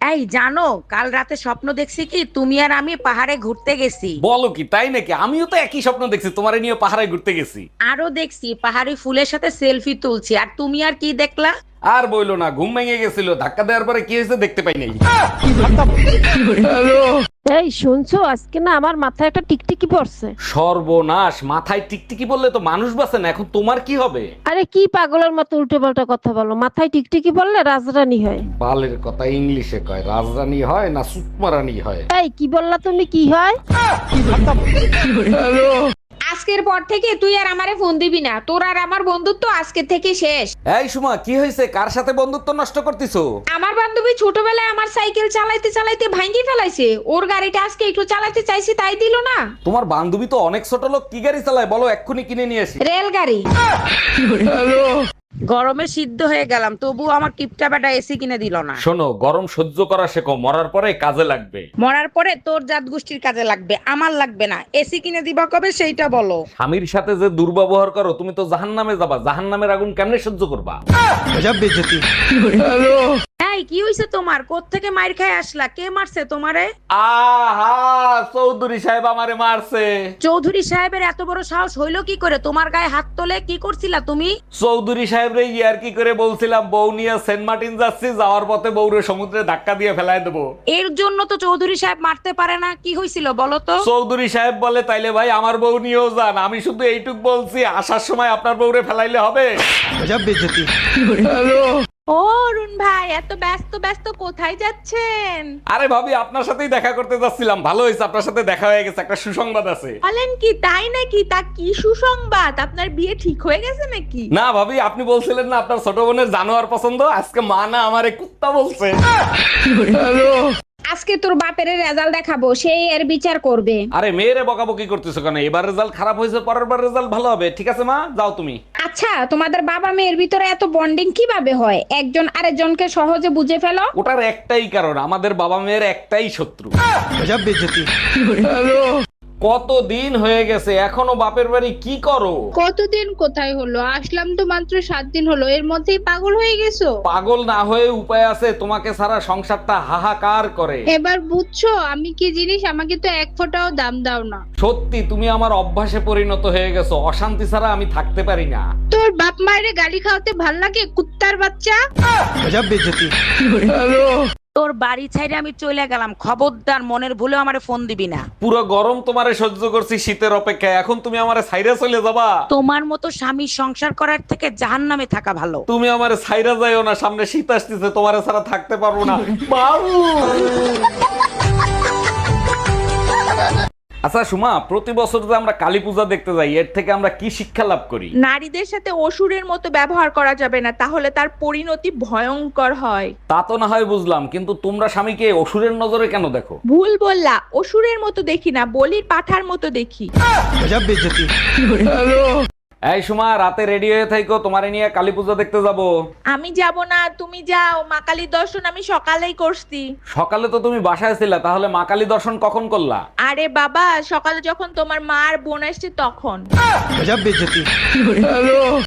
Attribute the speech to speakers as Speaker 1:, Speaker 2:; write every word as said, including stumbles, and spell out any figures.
Speaker 1: এই জানো, কাল রাতে স্বপ্ন দেখছি কি তুমি আর আমি পাহাড়ে ঘুরতে গেছি।
Speaker 2: বলো কি, তাই নাকি? আমিও তো একই স্বপ্ন দেখছি, তোমারে নিয়ে পাহাড়ে ঘুরতে গেছি।
Speaker 1: আরো দেখছি পাহাড়ি ফুলের সাথে সেলফি তুলছি, আর তুমি আর কি দেখলা?
Speaker 2: আর বইলো না, ঘুম ভেঙে গেছিল, ধাক্কা দেওয়ার পরে কি হয়েছে দেখতে পাই নাই।
Speaker 3: এই শুনছো, আজকে না আমার মাথায় একটা টিকটিকি পড়ছে।
Speaker 2: সর্বনাশ, মাথায় টিকটিকি বললে তো মানুষ বাঁচে না, এখন তোমার কি হবে?
Speaker 3: আরে কি পাগলের মতো উল্টো পাল্টা কথা বলো, মাথায় টিকটিকি পড়লে রাজরানী হয়।
Speaker 2: বালের কথা ইংলিশে কয়, রাজরানী হয় না সুতমারানি হয়?
Speaker 3: এই কি বললা তুমি, কি হয়?
Speaker 4: আজকের পর থেকে তুই আর আমারে ফোন দিবি না, তোর আর আমার বন্ধুত্ব আজকে থেকে শেষ।
Speaker 2: এই সুমা, কি হয়েছে? কার সাথে বন্ধুত্ব নষ্ট করতেছো?
Speaker 4: আমার বান্ধবী ছোটবেলায় আমার সাইকেল চালাইতে চালাইতে ভাঙি ফেলাইছে, ওর গাড়িটা আজকে একটু চালাতে চাইছি তাই দিল না।
Speaker 2: তোমার বান্ধবী তো অনেক ছোট লোক, কি গাড়ি চালায় বলো, এক্ষুনি কিনে নিয়ে আসি।
Speaker 4: রেলগাড়ি।
Speaker 1: গরমে সিদ্ধ হয়ে গেলাম, তবুও আমার কিপটা বেটা এসি কিনে দিল না।
Speaker 2: শোনো, গরম সহ্য করা শেখো, মরার পরে কাজে লাগবে।
Speaker 1: মরার পরে তোর জাত গোষ্ঠীর কাজে লাগবে, আমার লাগবে না। এসি কিনে দিবা কবে সেইটা বলো।
Speaker 2: স্বামীর সাথে যে দুর্ব্যবহার করো, তুমি তো জাহান্নামে যাবা। জাহান্নামের আগুন কেমনে সহ্য করবা?
Speaker 1: এই কি হইছে তোমার? কোত্থেকে মাইর খায় আসলা? কে মারছে তোমারে?
Speaker 2: আহা, চৌধুরী সাহেব আমারে মারছে।
Speaker 1: চৌধুরী সাহেবের এত বড় সাহস হইলো কি করে? তোমার গায়ে হাত তোলে কি করছিলা তুমি?
Speaker 2: চৌধুরী সাহেব রে ইয়ার কি করে বলছিলাম, বউ নিয়ে সেন্ট মার্টিন যাচ্ছি, যাওয়ার পথে বউরে সমুদ্রে ধাক্কা দিয়ে ফেলায় দেবো।
Speaker 1: এর জন্য তো চৌধুরী সাহেব মারতে পারে না। কি হয়েছিল বলো তো?
Speaker 2: চৌধুরী সাহেব বলে, তাইলে ভাই আমার বউ নিয়েও যান। আমি শুধু এইটুক বলছি, আসার সময় আপনার বউরে ফেলাইলে হবে।
Speaker 4: ও অরুণ ভাই, এত ব্যস্ত ব্যস্ত কোথায় যাচ্ছেন?
Speaker 2: আরে ভাবি, আপনার সাথেই দেখা করতে যাচ্ছিলাম। ভালো হয়েছে আপনার সাথে দেখা হয়ে গেছে, একটা সুসংবাদ আছে।
Speaker 4: বলেন কি, তাই নাকি? তা কি সুসংবাদ? আপনার বিয়ে ঠিক হয়ে গেছে নাকি?
Speaker 2: না ভাবি, আপনি বলছিলেন না আপনার ছোট বোনের জানোয়ার পছন্দ, আজকে মা না আমারে কুত্তা বলছে।
Speaker 4: আজকে তোর বাপের রেজাল্ট দেখাবো, সেই এর বিচার করবে।
Speaker 2: আরে মেয়েরে বকাবকি করতেছো কেন? এবার রেজাল্ট খারাপ হয়েছে, পরের বার রেজাল্ট ভালো হবে। ঠিক আছে মা, যাও তুমি।
Speaker 4: আচ্ছা, তোমাদের বাবা মেয়ের ভিতরে এত বন্ডিং কিভাবে হয়? একজন আরেকজনকে সহজে বুঝে ফেলো।
Speaker 2: ওটার একটাই কারণ, আমাদের বাবা মেয়ের একটাই শত্রু। কত দিন হয়ে গেছে, এখনো বাপের বাড়ি কি করো?
Speaker 5: কতদিন কোথায় হলো? আসলাম তো মাত্র সাত দিন হলো, এর মধ্যেই পাগল হয়ে গেছো?
Speaker 2: পাগল না হয়ে উপায় আছে? তোমাকে ছাড়া সংসারটা হাহাকার করে।
Speaker 5: এবার বুঝছো আমি কি জিনিস? আমাকে তো এক ফোঁটাও দাম দাও না।
Speaker 2: সত্যি তুমি আমার অভ্যাসে পরিণত হয়ে গেছো, অশান্তি ছাড়া আমি থাকতে পারি না।
Speaker 5: তোর বাপ মায়ের গালি খাওয়াতে ভাল লাগে, কুত্তার বাচ্চা।
Speaker 1: তোর বাড়ি ছাইরে আমি চলে গেলাম, খবরদার মনের ভুলে আমারে ফোন দিবি না।
Speaker 2: পুরো গরম তোমারে সহ্য করছি শীতের অপেক্ষায়, এখন তুমি আমারে ছাইরা চলে যাবা?
Speaker 1: তোমার মতো স্বামী সংসার করার থেকে জাহান্নামে থাকা ভালো।
Speaker 2: তুমি আমারে ছাইরা যাইও না, সামনে শীত আসতেছে, তোমারে ছাড়া থাকতে পারবো না। বাবু। আচ্ছা সুমা, প্রতি বছর যে আমরা কালী পূজা দেখতে যাই, এর থেকে আমরা কি শিক্ষা লাভ করি?
Speaker 6: নারীদের সাথে অসুরের মতো ব্যবহার করা যাবে না, তাহলে তার পরিণতি ভয়ঙ্কর হয়।
Speaker 2: তা তো না হয় বুঝলাম, কিন্তু তোমরা স্বামীকে অসুরের নজরে কেন দেখো?
Speaker 6: ভুল বললা, অসুরের মতো দেখি না, বলির পাঠার মতো দেখি।
Speaker 2: এই সুমা, রাতে রেডি হয়ে থাইকো, তোমারে নিয়ে কালী পূজা দেখতে যাব।
Speaker 6: আমি যাব না, তুমি যাও। মা কালীর দর্শন আমি সকালেই করছি।
Speaker 2: সকালে তো তুমি বাসায় ছিলা, তাহলে মা কালী দর্শন কখন করলা?
Speaker 6: আরে বাবা, সকালে যখন তোমার মা আর বোন আসছে তখন।